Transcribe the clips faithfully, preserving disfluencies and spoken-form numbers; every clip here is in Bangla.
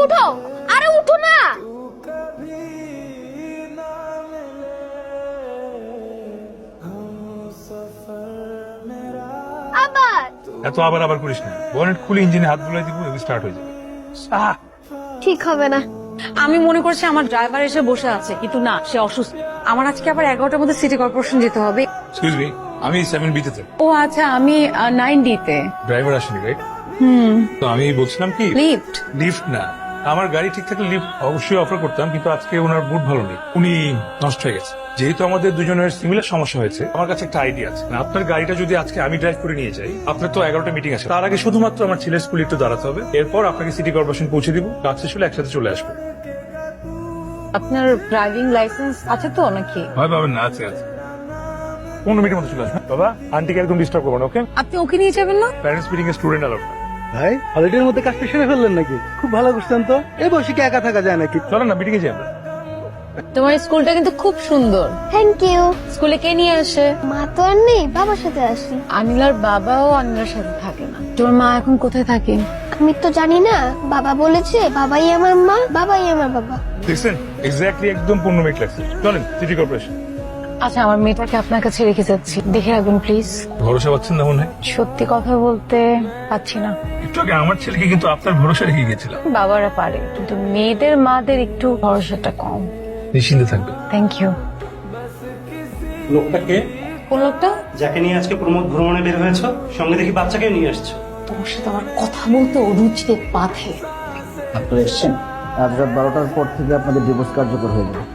উঠো, আরে উঠো না। আবার এত আবার আবার করিস না, বনেট খুলে ইঞ্জিনে হাত বুলাই দিব, স্টার্ট হয়ে যাবে। আহ, ঠিক হবে না। আমি মনে করছি আমার ড্রাইভার এসে বসে আছে, কিন্তু না, সে অসুস্থ। আমার আজকে আবার এগারোটার মধ্যে সিটি কর্পোরেশন যেতে হবে। এক্সকিউজ মি, আমি সেভেন বিতে থাকি। ও আচ্ছা, আমি নাইন ডিতে। ড্রাইভার আসেনি, রাইট? হুম। তো আমি বলছিলাম কি, লিফট। লিফট না, আমার গাড়ি ঠিক থাকলে লিফট অবশ্যই অফার করতাম, কিন্তু আজকে ওনার বুট ভালো নেই, উনি নষ্ট হয়ে গেছে। যেহেতু আমাদের দুজনের সিমিলার সমস্যা হয়েছে, আমার কাছে একটা আইডিয়া আছে। আপনার গাড়িটা যদি আজকে আমি ড্রাইভ করে নিয়ে যাই, আপনার তো এগারোটা মিটিং আছে, তার আগে শুধুমাত্র আমার ছেলের স্কুলে একটু দাঁড়াতে হবে, এরপর আপনাকে সিটি কর্পোরেশন পৌঁছে দিব, কাজ শেষ হলে একসাথে চলে আসবো। আপনার ড্রাইভিং লাইসেন্স আছে তো নাকি? ভয় পাবেন না, আছে আছে। পনেরো মিনিটের মধ্যে চলে আসবেন। বাবা, আন্টিকে একদম ডিস্টার্ব করবো না, ওকে? আপনি ওকে নিয়ে যাবেন না? প্যারেন্টস মিটিং এর স্টুডেন্ট আলাপ। ভাই হলিডের মধ্যে কাজটা সেরে ফেললেন নাকি? খুব ভালো করছেন তো। এই বসে কি একা থাকা যায় নাকি? চলেন না, মিটিং এ যাই আমরা। তোমার স্কুলটা কিন্তু খুব সুন্দর। Thank you. স্কুলে কে নিয়ে আসে? মা তো আর নেই, বাবার সাথে আসি। আনিলার বাবাও আনিলার সাথে থাকে না। তোমার মা এখন কোথায় থাকে? আমি তো জানি না, বাবা বলেছে বাবাই আমার মা, বাবাই আমার বাবা। দেখছেন, এক্স্যাক্টলি একদম পনেরো মিনিট লাগছে। চলেন সিটি কর্পোরেশন। আচ্ছা, আমার মেয়েটাকে আপনার কাছে রেখে যাচ্ছি, দেখে রাখবেন প্লিজ। ভরসা পাচ্ছেন না মনে হয়? সত্যি কথা বলতে পাচ্ছি না। একটু আগে আমার ছেলেকে কিন্তু আপনার ভরসা রেখে গেছিলাম। বাবারা পারে, কিন্তু মেয়েদের মাদের একটু ভরসাটা কম। নিশ্চিন্তে থাকবেন। Thank you. লোকটাকে, কোন লোকটা? যাকে নিয়ে আজকে প্রমোদ ভ্রমণে বের হয়েছ, সঙ্গে দেখি বাচ্চাকে নিয়ে আসছো। তোমার সাথে আমার কথা বলতে অরুচিতে বাধে। আপনারা এসছেন, আজ রাত বারোটার পর থেকে আপনাদের ডিভোর্স কার্যকর হয়ে যাবে।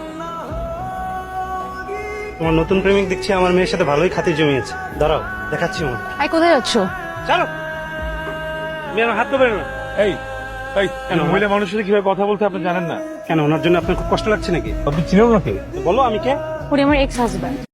তোমার নতুন প্রেমিক দেখছি আমার মেয়ের সাথে ভালোই খাতির জমিয়েছে। দাঁড়াও, দেখাচ্ছি আমার। আই কোথায় যাচ্ছ? চলো, তুমি আমার হাত ধরে না। এই এই কেন? মহিলা মানুষের সাথে কিভাবে কথা বলতে আপনি জানেন না? কেন, ওনার জন্য আপনার খুব কষ্ট লাগছে নাকি? আপনি চিনেন নাকি? বলো আমি কে। উনি আমার এক্স হাজব্যান্ড।